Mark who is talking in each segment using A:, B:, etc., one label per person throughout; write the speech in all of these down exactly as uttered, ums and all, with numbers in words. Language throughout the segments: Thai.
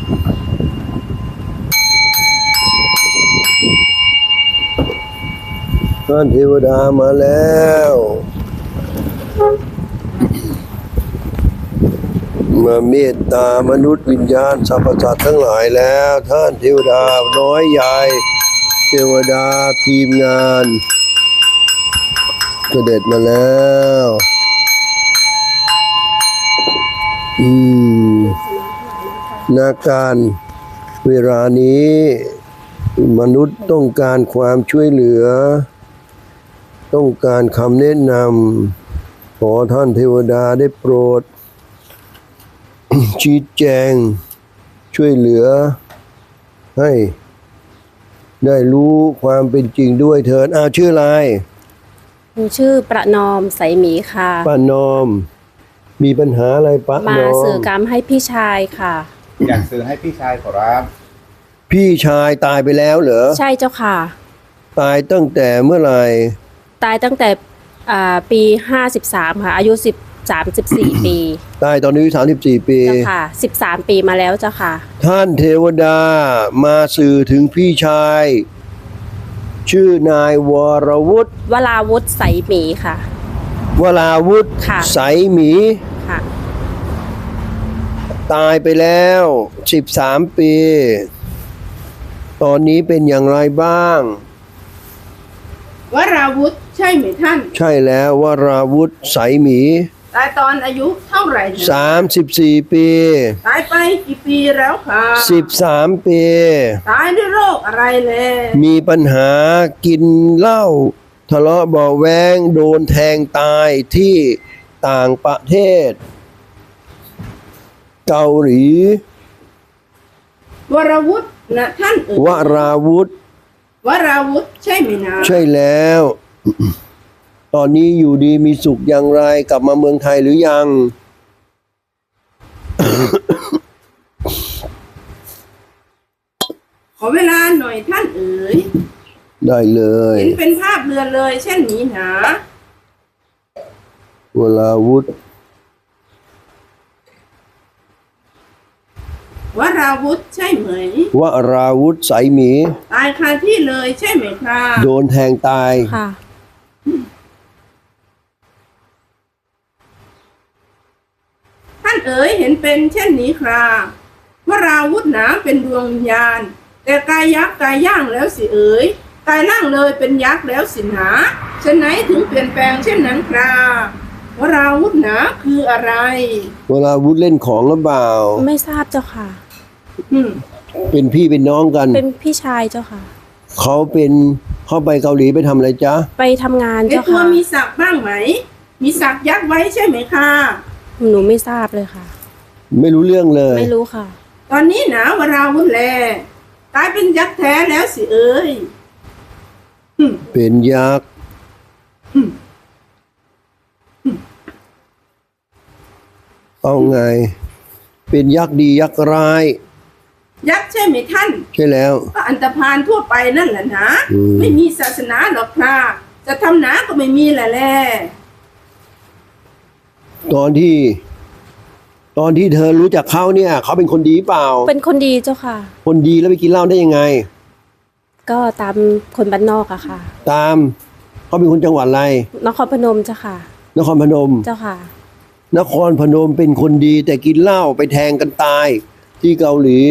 A: ท่านเทวดามาแล้วมาเมตตามนุษย์วิญญาณสรรพสัตว์ทั้งหลายแล้วท่านเทวดาน้อยใหญ่เทวดาทีมงานเสด็จมาแล้วอืมนาการเวลานี้มนุษย์ต้องการความช่วยเหลือต้องการคำแนะนำขอท่านเทวดาได้โปรด ชี้แจงช่วยเหลือให้ได้รู้ความเป็นจริงด้วยเถิดอ้าวชื่ออะไร
B: หนูชื่อประนอมใสหมีค่ะ
A: ป้านอมมีปัญหาอะไรป้านอม
B: มาสื่อกรรมให้พี่ชายค่ะ
C: อยากสื่อให้พี่ชายขอรับ
A: พี่ชายตายไปแล้วเหรอ
B: ใช่เจ้าค่ะ
A: ตายตั้งแต่เมื่อไหร่
B: ตายตั้งแต่ปีห้าสิบสามค่ะอายุสิบสามสิบสี่ปี
A: ตายตอนนี้สามสิบสี่ปี
B: เจ้าค่ะสิบสามปีมาแล้วเจ้าค่ะ
A: ท่านเทวดามาสื่อถึงพี่ชายชื่อนายวรวุฒิ
B: วราวุฒิใสหมีค่ะ
A: วราวุฒิใสหมี
B: ค่ะ
A: ตายไปแล้วสิบสามปีตอนนี้เป็นอย่างไรบ้าง
D: วราวุธใช่ไหมท่าน
A: ใช่แล้ววราวุธใสหมี
D: ตายตอนอายุเท่าไหร่
A: สามสิบสี่ปี
D: ตายไปกี่ปีแล้วคะ
A: สิบสามปี
D: ตายด้วยโรคอะไรเลย
A: มีปัญหากินเหล้าทะเลาะเบาะแว้งโดนแทงตายที่ต่างประเทศเกาหลี
D: วราวุธนะท่านเอ๋ยว
A: ราวุธ
D: วราวุธใช่ไหมนะ
A: ใช่แล้ว ตอนนี้อยู่ดีมีสุขอย่างไรกลับมาเมืองไทยหรือยัง
D: ขอเวลาหน่อยท่านเอ๋ย
A: ได้เลย
D: เห็นเป็นภาพเรือนเลยเช่นนี้นะ
A: วราวุธ
D: วราวุธใช่ไหม
A: วราวุธใสหมี
D: ตายคาที่เลยใช่ไหมครับ
A: โดนแทงตาย
B: ค่ะ
D: ท่านเอ๋ยเห็นเป็นเช่นนี้ครับวราวุธหนาเป็นดวงวิญญาณแต่กายยักษ์กายย่างแล้วสิเอ๋ยกายล่างเลยเป็นยักษ์แล้วสิหนาฉะไหนถึงเปลี่ยนแปลงเช่นนั้นครับวราวุธหนาคืออะไร
A: วราวุธเล่นของหรือเปล่า
B: ไม่ทราบเจ้าค่ะ
A: เป็นพี่เป็นน้องกัน
B: เป็นพี่ชายเจ้าค่ะ
A: เขาเป็นเขาไปเกาหลีไปทำอะไรจ๊ะ
B: ไปทำงานเจ้าค่ะ
D: ตัวมีศักดิ์บ้างไหมมีศักดิ์ยักษ์ไว้ใช่ไหมคะ
B: หนูไม่ทราบเลยค่ะ
A: ไม่รู้เรื่องเลย
B: ไม่รู้ค่ะ
D: ตอนนี้หนาวราวุธแลกลายเป็นยักษ์แท้แล้วสิเอ้ย
A: เป็นยักษ์เอาไงเป็นยักษ์ดียักษ์ร้าย
D: ยักษ์ใช่ไหมท่าน
A: ใช่แล้ว
D: ก็อันตพาลทั่วไปนั่นแหละนะไม่มีศาสนาหรอกครับจะทำหนาก็ไม่มีแหละแหละ
A: ตอนที่ตอนที่เธอรู้จักเขาเนี่ยเขาเป็นคนดีเปล่า
B: เป็นคนดีเจ้าค่ะ
A: คนดีแล้วไปกินเหล้าได้ยังไง
B: ก็ตามคนบ้านนอกอะค่ะ
A: ตามเขาเป็นคนจังหวัดอะไร
B: นครพนมเจ้าค่ะ
A: นครพนม
B: เจ้าค่ะ
A: นครพนมเป็นคนดีแต่กินเหล้าไปแทงกันตายที่เกาหลี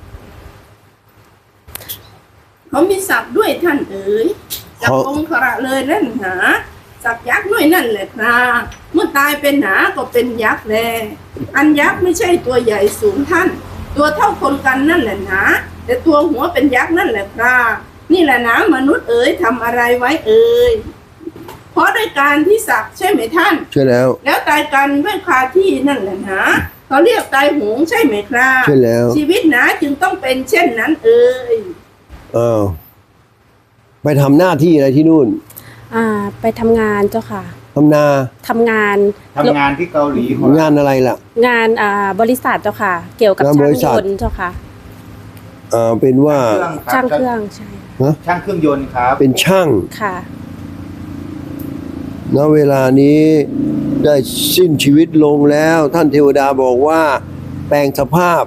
D: เขามีศักดิ์ด้วยท่านเอ๋ยจากองค์ขระเลยนั่นหาศักดิ์ยักษ์ด้วยนั่นแหละครับเมื่อตายเป็นหนาก็เป็นยักษ์แลอันยักษ์ไม่ใช่ตัวใหญ่สูงท่านตัวเท่าคนกันนั่นแหละหนาแต่ตัวหัวเป็นยักษ์นั่นแหละครับนี่แหละนะมนุษย์เอ๋ยทำอะไรไว้เอ๋ยเพราะด้วยการที่ศักดิ์ใช่ไหมท่าน
A: ใช่แล้ว
D: แล้วตายกันด้วยคาที่นั่นแหละนะเขาเรียกตายโหงใช่ไหมครับ
A: ใช่แล้ว
D: ชีวิตนะจึงต้องเป็นเช่นนั้นเอ๋ย
A: อ้าวไปทำหน้าที่อะไรที่นู่น
B: อ่าไปทำงานเจ้าค่ะ
A: ทำนา
B: ทำงาน
C: ทำงานที่เกาหลี
A: งานอะไรล่ะ
B: งานอ่าบริษัทเจ้าค่ะเกี่ยวกับช่างยนต์เจ้าค่ะ
A: อ่าเป็นว่า
B: ช่างเครื่องใช่
C: ช่างเครื่องยนต์ครับ
A: เป็นช่าง
B: ค่ะ
A: ณเวลานี้ได้สิ้นชีวิตลงแล้วท่านเทวดาบอกว่าแปลงสภาพ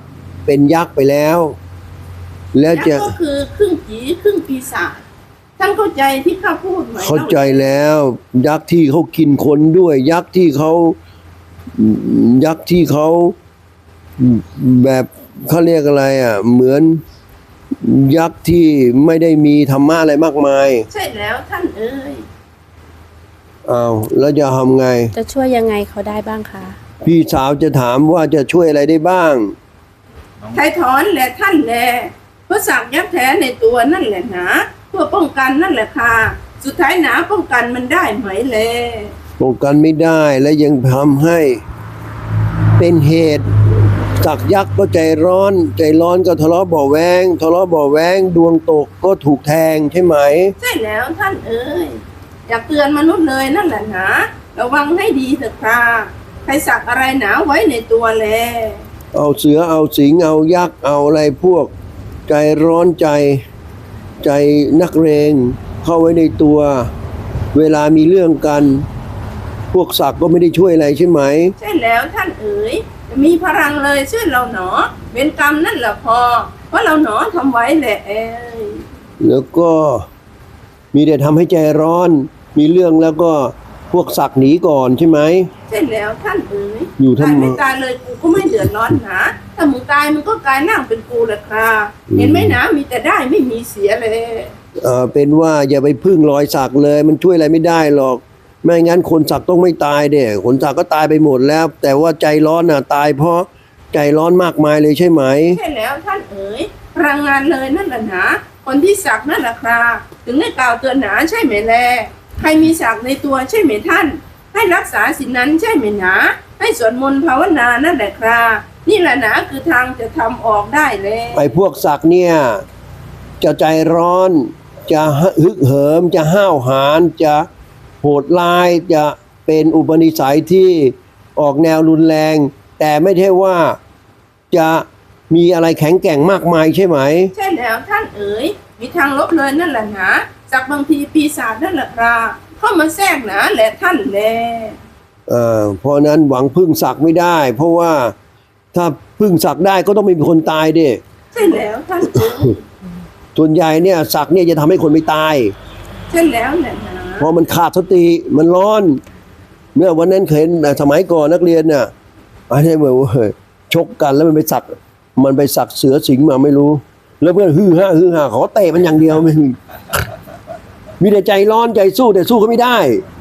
A: เป็นยักษ์ไปแล้ว แล้ว
D: ยัก
A: จะ
D: ษ์ก็คือครึ่งผีครึ่งปีศาจท่านเข้าใจที่ข้าพูดไหม
A: เข้าใจแล้ว ยักษ์ที่เขากินคนด้วย ยักษ์ที่เขายักษ์ที่เขาแบบเขาเรียกอะไรอ่ะ เหมือนยักษ์ที่ไม่ได้มีธรรมะอะไรมากมาย
D: ใช่แล้วท่านเอ๋ย
A: อ้าวแล้วจะทำไง
B: จะช่วยยังไงเขาได้บ้างคะ
A: พี่สาวจะถามว่าจะช่วยอะไรได้บ้าง
D: ไถ่ถอนแหละท่านแลเพราะสักยักษ์แท้ในตัวนั่นแหละหนะเพื่อป้องกันนั่นแหละค่ะสุดท้ายหนาป้องกันมันได้ไหมแล
A: ป้องกันไม่ได้และยังทำให้เป็นเหตุสักยักษ์ก็ใจร้อน ใจร้อนก็ทะเลาะเบาะแวงทะเลาะเบาะแวงดวงตกก็ถูกแทงใช่ไหม
D: ใช่แล้วท่านเอ๋ยอยากเตือนมนุษย์เลยนั่นแหละหนะระวังให้ดีเถอะค่ะใครสักอะไรหนาไว้ในตัวแล
A: เอาเสือเอาสิงเอายักษ์เอาอะไรพวกใจร้อนใจใจนักเรงเข้าไว้ในตัว เวลามีเรื่องกัน พวกศักดิ์ก็ไม่ได้ช่วยอะไรใช่ไหม
D: ใช่แล้วท่านเอ๋ยจะมีพลังเลยช่วยเราหนอเป็นกรรมนั่นแหละพอเพราะเราหนอทำไว้แหละเอ้ย
A: แล้วก็มีแต่ทำให้ใจร้อน มีเรื่องแล้วก็พวกศักดิ์หนีก่อนใช่ไหม
D: ใช่แล้วท่านเอ๋ย
A: อยู่ทำไม
D: ตายไม่ตายเลยกูก็ไม่เดือดร้อนนะถ้ามึงตายมึงก็กลายนั่งเป็นกูแหละครับ
A: อืม
D: เห็นไหมนะมีแต่ได้ไม่มีเสียเลย
A: เอ่อเป็นว่าอย่าไปพึ่งรอยสักเลย มันช่วยอะไรไม่ได้หรอก ไม่งั้นคนสักต้องไม่ตายเด้คนสักก็ตายไปหมดแล้ว แต่ว่าใจร้อนน่ะตายเพราะใจร้อนมากมายเลยใช่ไหม
D: ใช่แล้วท่านเอ๋ยพลังงานเลยนั่นแหละนะคนที่สักนั่นแหละครับถึงได้กล่าวเตือนหนาใช่ไหมแลใครมีสักในตัวใช่ไหมท่าน ให้รักษาสินนั้นใช่ไหมหนาให้สวดมนต์ภาวนานั่นแหละครับนี่แหละนะคือทางจะทำออกได้เลย
A: ไอ้พวกสักเนี่ยจะใจร้อน จะฮึกเหิม จะห้าวหาญจะโหดร้าย จะเป็นอุปนิสัยที่ออกแนวรุนแรง แต่ไม่ใช่ว่าจะมีอะไรแข็งแกร่งมากมายใช่ไหม
D: ใช่แล้วท่านเอ๋ยมีทางลบเลยนั่นแหละนะสักบางทีปีศาจนั่นแหละครับเข้ามาแทรกหนาแหละท่านแล
A: เอ่อเพราะฉะนั้นหวังพึ่งศักดิ์ไม่ได้ เพราะว่าถ้าพึ่งศักดิ์ได้ก็ต้องมีคนตายดิ
D: ใช่แล้วท่านเอ๋ย
A: ส่วนใหญ่เนี่ยศักดิ์เนี่ยจะทำให้คนไม่ตาย
D: ใช่แล้วแหละนะ
A: เพราะมันขาดสติมันร้อน เมื่อวันนั้นเคยเห็นสมัยก่อนนักเรียนเนี่ยอะไรเหมือนว่าชกกันแล้วมันไปสักมันไปสักเสือสิงมาไม่รู้ แล้วเพื่อนฮือฮาฮือฮาขอเตะมันอย่างเดียวไม่มีมีแต่ใจร้อนใจสู้แต่สู้ก็ไม่ได้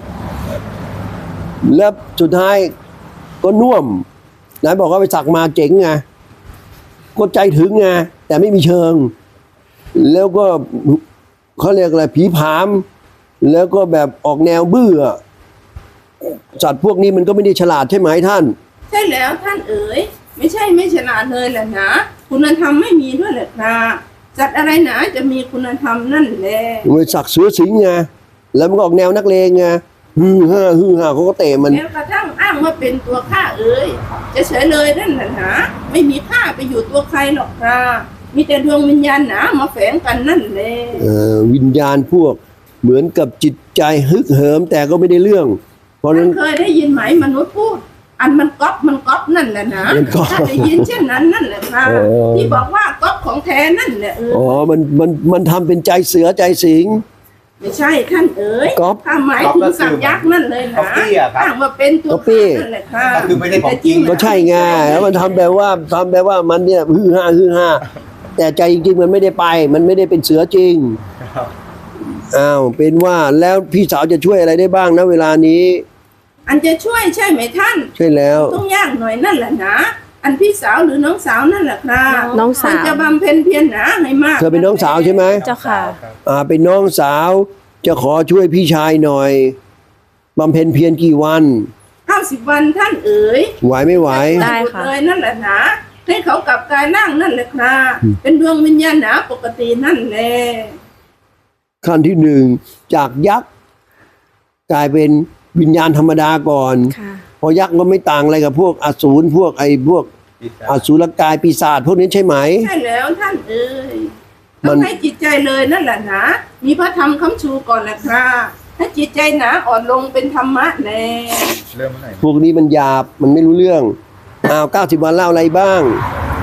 A: แล้วสุดท้ายก็น่วมนายบอกว่าไปสักมาเจ๋งไงก็ใจถึงไงแต่ไม่มีเชิง แล้วก็เขาเรียกอะไรผีผาม แล้วก็แบบออกแนวบื้อสัตว์พวกนี้มันก็ไม่ได้ฉลาดใช่ไหมท่าน
D: ใช่แล้วท่านเอ๋ยไม่ใช่ไม่ฉลาดเลยแหละนะคุณธรรมไม่มีด้วยแหละครับสัตว์อะไรหนาจะมีคุณธรรมนั่นแหละ
A: มันสักเสือสิงไงแล้วมันก็ออกแนวนักเลงไงฮือฮ่าฮือฮ่าเขาก็เตะมัน
D: แล้วกระทั่งอ้างว่าเป็นตัวข้าเอ๋ยจะเฉยเลยนั่นแหละนะไม่มีข้าไปอยู่ตัวใครหรอกครับมีแต่ดวงวิญญาณหนามาแฝงกันนั่นแหละ
A: เอ่อวิญญาณพวกเหมือนกับจิตใจฮึกเหิมแต่ก็ไม่ได้เรื่อง เพราะฉะ
D: ท่า
A: นั้น น
D: เคยได้ยินไหมมนุษย์พูด อันมันก๊อปมันก๊อปนั่นแหละนะ
A: มันก๊อป
D: ถ้าได้ยินเช่นนั้นนั่นแหละครับ
A: อ๋อ
D: ที่บอกว่าก๊อปของแท้นั่นแหละเออ
A: อ๋อมันมันมันทำเป็นใจเสือใจสิง
D: ไม่ใช่ท่านเอ๋ย
A: ก๊อป
D: ถ้าหมายถึงสัตว์ยักษ์นั่นเลยนะ
C: ก๊อปปี้อะครับ
D: อ้างว่าเป็นตัว
A: ก๊อปปี้
D: ข้านั่นแหละครับ
C: ก็คือไม่ใช่ของจริง
A: ก็ใช่ไงแล้วมันทำแบบว่าทำแบบว่ามันเนี่ยฮือฮ่าฮือฮ่าแต่ใจจริงๆมันไม่ได้ไป มันไม่ได้เป็นเสือจริงอ้าวเป็นว่าแล้วพี่สาวจะช่วยอะไรได้บ้างนะเวลานี้
D: อันจะช่วยใช่ไหมท่าน
A: ใช่แล้ว
D: ต้องยากหน่อยนั่นแหละนะอันพี่สาวหรือน้องสาวนั่นแหละครับ
B: น้องสาว
D: ควรจะบำเพ็ญเพียรหนาให้มาก
A: เธอเป็นน้องสาวใช่ไหม
B: เจ้าค่ะ
A: อ่าเป็นน้องสาวจะขอช่วยพี่ชายหน่อยบำเพ็ญเพียรกี่วัน
D: เก้าสิบวันท่านเอ๋ย
A: ไหวไม่ไหว
B: ได้ค่ะ
D: เลยนั่นแหละนะให้เขากลับกายร่างนั่นแหละครับเป็นดวงวิญญาณหนาปกตินั่นแหละ
A: ขั้นที่หนึ่งจากยักษ์กลายเป็นวิญญาณธรรมดาก่อน
B: ค่ะ
A: พอยักษ์ก็ไม่ต่างอะไรกับพวกอสูรพวกไอ้พวกอสูรกายปีศาจพวกนี้ใช่ไหม
D: ใช่แล้วท่านเอ๋ย
A: มั
D: ต้อน งให้จิตใจเลยนั่นแหละนะมีพระธรรมคำชูก่อนแหละครับให้จิตใจหนาอ่อนลงเป็นธรรมะแน่
C: เริ่มเมื่อไหร่
A: พวกนี้มันหยาบมันไม่รู้เรื่องอ้าวเก้าสิบวันเล่าอะไรบ้าง
D: เก้าสิบ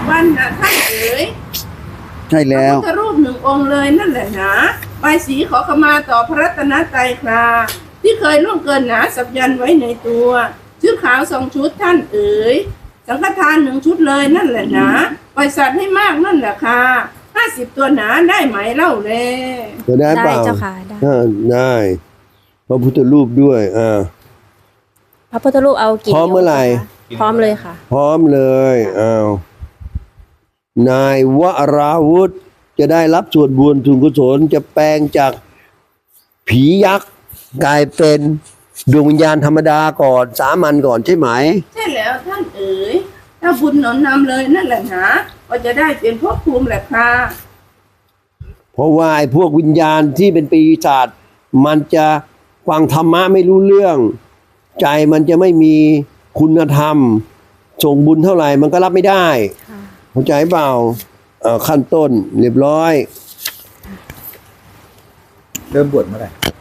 D: วันนะท่านเอ๋ย
E: ใช่
D: พระ
E: แล้ว
D: พุทธรูปหนึ่งองค์เลยนั่นแหละนะใบายสีขอขมาต่อพระรัตนตรัยคราที่เคยล่วงเกินหนาสับยันไว้ในตัวชุดขาวสองชุดท่านเอ๋ยสังฆทานหนึ่งชุดเลยนั่นแหละนะปล่อยสัตว์ให้มากนั่นแหละค่ะห้าสิบตัวหนาได้ไหมเล่าแล
A: จะได้เป
B: ได้
A: ล่า
B: เจ้าค่ะได้
A: อ่าได้พระพุทธรูปด้วยอ่า
B: พระพุทธรูปเอากี่
A: พร้อมเมื่อไหร่
B: นิ้วคะพร้อมเลยค่ะ
A: พร้อมเลยอ้าวนายวราวุธจะได้รับส่วนบุญทุนกุศลจะแปลงจากผียักษ์กลายเป็นดวงวิญญาณธรรมดาก่อนสามัญก่อนใช่ไหม
D: ใช่แล้วท่านเอ๋ยถ้าบุญหนุนนำเลยนั่นแหละนะก็จะได้เป็นภพภูมิแหละค่ะ
A: เพราะว่าไอ้พวกวิญญาณที่เป็นปีศาจมันจะฟังธรรมะไม่รู้เรื่อง ใจมันจะไม่มีคุณธรรม ส่งบุญเท่าไหร่มันก็รับไม่ได้
B: ค่ะ
A: เข้าใจเปล่าเอ่อขั้นต้นเรียบร้อย
C: เริ่มบวชเมื่อไหร่